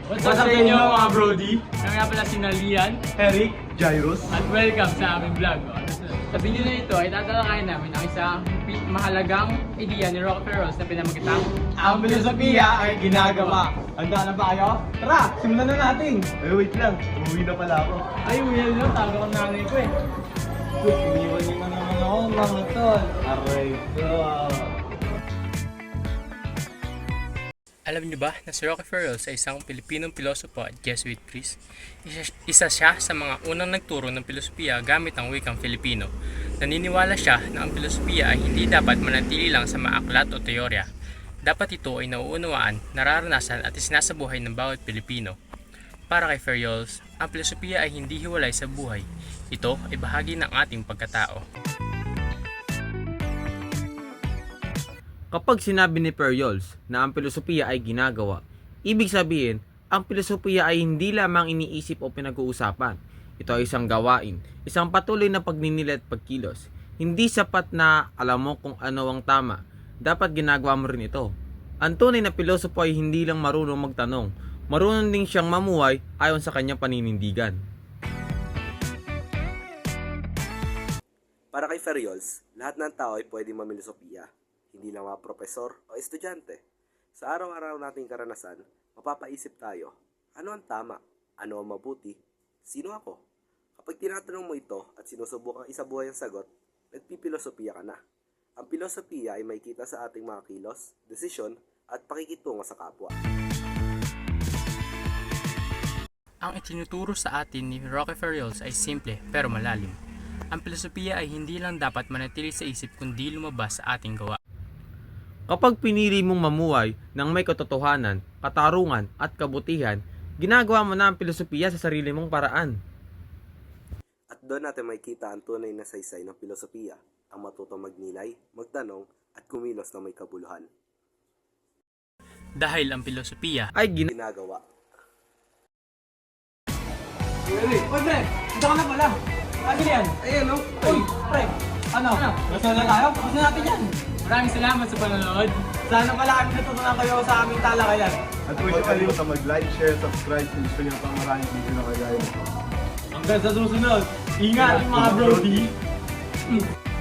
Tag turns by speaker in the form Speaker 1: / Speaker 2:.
Speaker 1: What's up sa inyo mga Brody?
Speaker 2: Kami nga pala si Nalian
Speaker 1: Eric, Jairus.
Speaker 2: at welcome sa aming vlog. Sa video na ito ay tatalakayin namin ang isang mahalagang ideya ni Rockefeller Rose na pinamagatang
Speaker 1: Ang filosofiya ay ginagawa. Handa na ba kayo? Tara, simulan na natin. Wait lang. Umuwi na pala ako.
Speaker 2: Ay, well no, tago ang nanay ko eh.
Speaker 1: Iniwan niyo na naman ako mga tol. Aray ko.
Speaker 2: Alam niyo ba na si Rockefeller Rose ay isang Pilipinong pilosopo at Jesuit priest? Isa siya sa mga unang nagturo ng filosofiya gamit ang wikang Filipino. Naniniwala siya na ang filosofiya ay hindi dapat manatili lang sa mga aklat o teorya. Dapat ito ay nauunawaan, nararanasan at isinasabuhay ng bawat Pilipino. Para kay Ferriols, ang filosofiya ay hindi hiwalay sa buhay. Ito ay bahagi ng ating pagkatao.
Speaker 3: Kapag sinabi ni Ferriols na ang filosofiya ay ginagawa, ibig sabihin, ang filosofiya ay hindi lamang iniisip o pinag-uusapan. Ito ay isang gawain, isang patuloy na pagninilay at pagkilos. Hindi sapat na alam mo kung ano ang tama, dapat ginagawa mo rin ito. Ang tunay na pilosopo ay hindi lang marunong magtanong, marunong din siyang mamuhay ayon sa kanyang paninindigan.
Speaker 4: Para kay Ferriols, lahat ng tao ay pwedeng mamilosopiya, hindi lang mga propesor o estudyante. Sa araw-araw nating karanasan, mapapaisip tayo, ano ang tama? Ano ang mabuti? Sino ako? Kapag tinatanong mo ito at sinusubukang isabuhay ang sagot, nagpipilosopiya ka na. Ang pilosopiya ay makikita sa ating mga kilos, desisyon at pakikitungo sa kapwa.
Speaker 2: Ang itinuturo sa atin ni Rockefeller Rose ay simple pero malalim. Ang filosofiya ay hindi lang dapat manatili sa isip kundi lumabas sa ating gawa.
Speaker 3: Kapag pinili mong mamuhay ng may katotohanan, katarungan at kabutihan, ginagawa mo na ang filosofiya sa sarili mong paraan.
Speaker 4: At doon natin makikita ang tunay na saysay ng filosofiya, ang matutong magnilay, magtanong at kumilos na may kabuluhan.
Speaker 2: Dahil ang filosofiya
Speaker 3: Ay
Speaker 4: Ginagawa.
Speaker 1: Uy, pre! Ito ka na pala. Ano yan? Ayan, no? Uy, pre! Ano? Gusto na tayo? Gusto natin yan.
Speaker 2: maraming salamat sa panonood.
Speaker 1: Sana pala kami natutunan kayo sa aming talakayan.
Speaker 5: At huwag niyo kalimutan mag-like, share, subscribe kung gusto niyo pang maraming video na kagaya nito.
Speaker 1: Hanggang sa susunod, ingat mga Brody!